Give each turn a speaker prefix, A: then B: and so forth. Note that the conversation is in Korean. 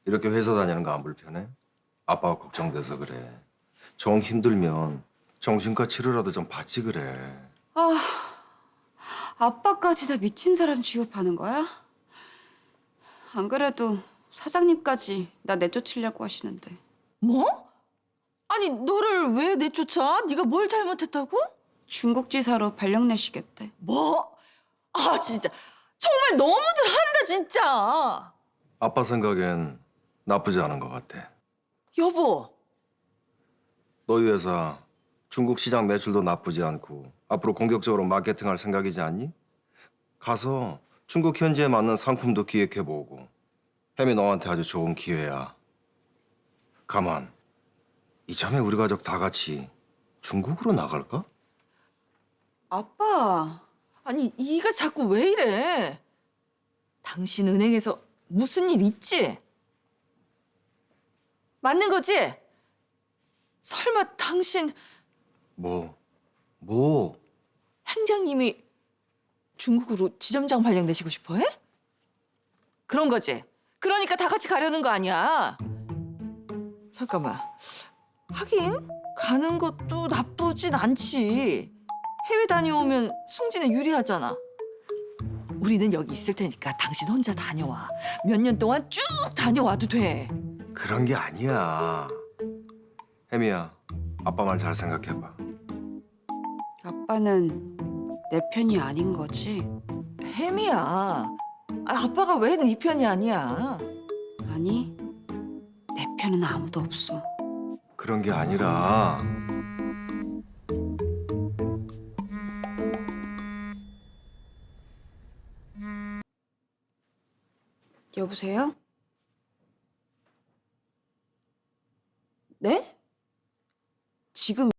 A: 이렇게 회사 다니는 거 안 불편해? 아빠가 걱정돼서 그래. 정 힘들면 정신과 치료라도 좀 받지 그래.
B: 아빠까지 다 미친 사람 취급하는 거야? 안 그래도 사장님까지 나 내쫓으려고 하시는데.
C: 뭐? 아니 너를 왜 내쫓아? 네가 뭘 잘못했다고?
B: 중국지사로 발령 내시겠대.
C: 뭐? 아 진짜 정말 너무들 한다 진짜.
A: 아빠 생각엔 나쁘지 않은 것 같아.
C: 여보.
A: 너희 회사 중국 시장 매출도 나쁘지 않고 앞으로 공격적으로 마케팅할 생각이지 않니? 가서 중국 현지에 맞는 상품도 기획해보고. 혜미 너한테 아주 좋은 기회야. 가만, 이참에 우리 가족 다 같이 중국으로 나갈까?
B: 아빠,
C: 아니 이가 자꾸 왜 이래? 당신 은행에서 무슨 일 있지? 맞는 거지? 설마 당신
A: 뭐?
C: 행장님이 중국으로 지점장 발령내시고 싶어 해? 그런 거지? 그러니까 다 같이 가려는 거 아니야? 잠깐만. 하긴 가는 것도 나쁘진 않지. 해외 다녀오면 승진에 유리하잖아. 우리는 여기 있을 테니까 당신 혼자 다녀와. 몇 년 동안 쭉 다녀와도 돼.
A: 그런 게 아니야. 혜미야, 아빠 말 잘 생각해봐.
B: 아빠는 내 편이 아닌 거지?
C: 혜미야. 아빠가 왜 네 편이 아니야?
B: 아니, 내 편은 아무도 없어.
A: 그런 게 아니라
B: 여보세요?
C: 네?
B: 지금